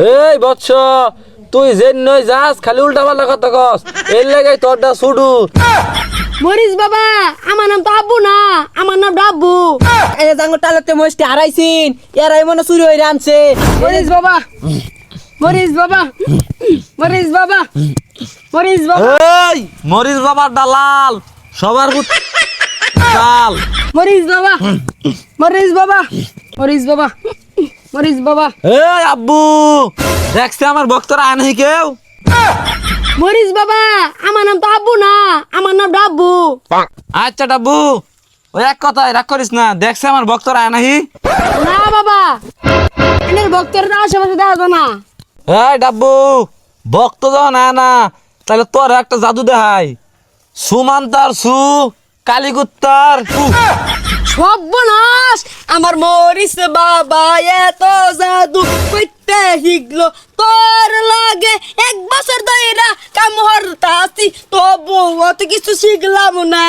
এই বৎস, তুই যে নই যাস খালি উল্টা পাল্টা কথা কস, এর লাগাই তোরটা ছুডু। মরিস বাবা, আমার নাম তো আব্বু না, আমার নাম ডাব্বু। এই জাঙ্গো টালতে মস্তি হারাইছিন, এরাই মনে চুরি হইরা আনছে। মরিস বাবা, মরিস বাবা, মরিস বাবা, মরিস বাবা, এই মরিস বাবার দালাল সবার দাল। মরিস বাবা, মরিস বাবা, মরিস বাবা, মরিস বাবা। এই আব্বু, দেখছে আমার ভক্তরা আয় নাহি কেউ? মরিস বাবা, আমার নাম তো আব্বু না, আমার নাম ডাব্বু। আচ্ছা ডাব্বু, ওই এক কথায় রাগ করিস না, দেখছে আমার ভক্তরা আয় নাহি? না বাবা, এনের ভক্তরা আশেপাশে দেখা যায় না। এই ডাব্বু, ভক্ত যখন আয় না, তাহলে তোর একটা জাদু দেখাই। সুমান্তার সু, কালীগুত্তার কু। সর্বনাশ, আমার মরিস বাবা এত জাদু কইতে শিখলো, তোর লাগে 1 বছর ধইরা কাম হরতাছি, তবু অত কিছু শিখলাম না।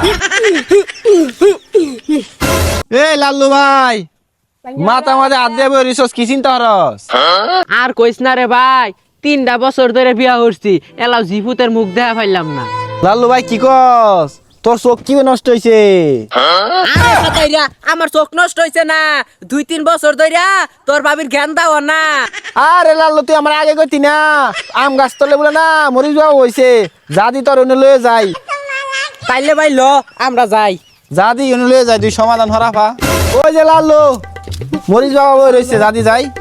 এই লাল্লু ভাই, মাথা মাঝে হাত দিয়ে বই রিসোর্স কি চিন্তা হরস? আর কইস না রে ভাই, 3টা বছর ধরে বিয়া করছি, এলাও জিপুতের মুখ দেখা পাইলাম না। লাল্লু ভাই কি কস? তোর চোখ কি নষ্ট হইছে? আরে সাতাইরা, আমার চোখ নষ্ট হইছে না, 2-3 বছর ধরে তোর বাবির জ্ঞান দাও না। আরে লাল্লু, তুই আমার আগে কইতি না আম গাছ তলে বলে না মরিস বাবা হইছে, যা দি তোর অন্য লয়ে যাই। তাইলে ভাই ল, আমরা যাই। যা দি অন্য লয়ে যাই, তুই সমাধান হরাফা। ওই যে লাল্লু, মরিস বাবা বই রইছে, যা দি যাই।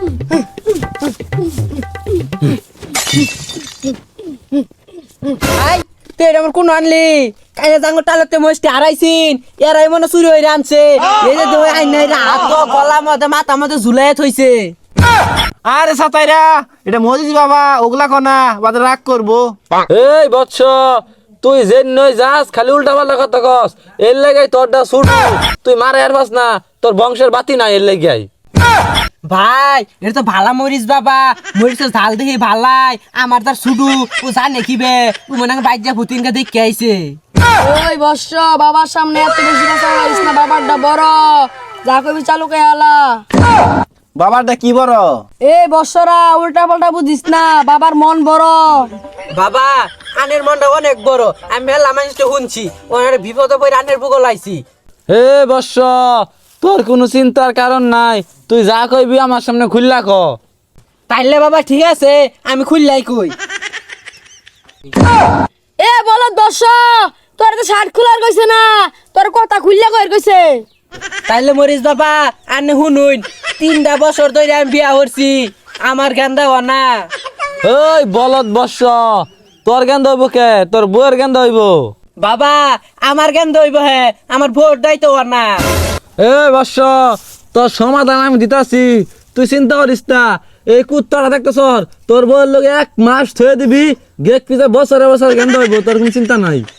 আই তুই এটা আমার কোন আনলি? কাইয়া জাঙ্গো টালতে মস্তি হারাইছিন, এরাই মনে চুরি হইরা আনছে। এই যে দুই আইন নাই রা, হাত গলা মধ্যে মাথা মধ্যে ঝুলাই থইছে। আরে সাতাইরা, এটা মরিস বাবা, ওগুলা কনা বাদে রাগ করবো। এই বৎস, তুই যে নই যাস খালি উল্টা পাল্টা কথা কস, এর লাগাই তোরটা ছুডু। তুই মারে আর বাস না, তোর বংশের বাতি নাই এর লাগাই। ভাই এটা তো ভালা মরিস বাবা, মরিচের ঝাল দেখি ভালাই, আমার তার শুধু ও জানে কিবে, ও মনে হয় বাইজা ভুতিনকে দেখে আইছে। ওই বর্ষ, বাবার সামনে এত বেশি কথা বলিস না, বাবারটা বড়, যা কবি চালু কে আলা। বাবারটা কি বড়? এই বর্ষরা উল্টা পাল্টা বুঝিস না, বাবার মন বড়। বাবা আনের মনটা অনেক বড়, আমি মেলা মানুষটা শুনছি, ওনার বিপদে পড়ে আনের বুকল আইছি। হে বৎস, তোর কোনো চিন্তার কারণ নাই, তুই যা কইবি আমার সামনে খুললা ক। তাইলে বাবা ঠিক আছে, আমি খুললাই কই। এ বল দর্শ, তোর তো শার্ট খোলার কইছে না, তোর কথা খুললে কই কইছে। তাইলে মরিস বাবা আনে শুনুন, 3টা বছর ধরে আমি বিয়া করছি, আমার জ্ঞান দাও না। ওই বলদ বৎস, তোর গেন্দ হইব কে? তোর বউয়ের গেন্দ হইব। বাবা আমার জ্ঞান দইব হে, আমার ভোট দাইতো না। এ বৎস, তোর সমাধান আমি দিতাছি, তুই চিন্তা করিস না। এই কুত্তাটা দেখতেছ, তোর বউয়ের লোক 1 মাস থয়ে দিবি, গেট পিছে বছরে বছর গেন্দ হইব, তোর কোনো চিন্তা নাই।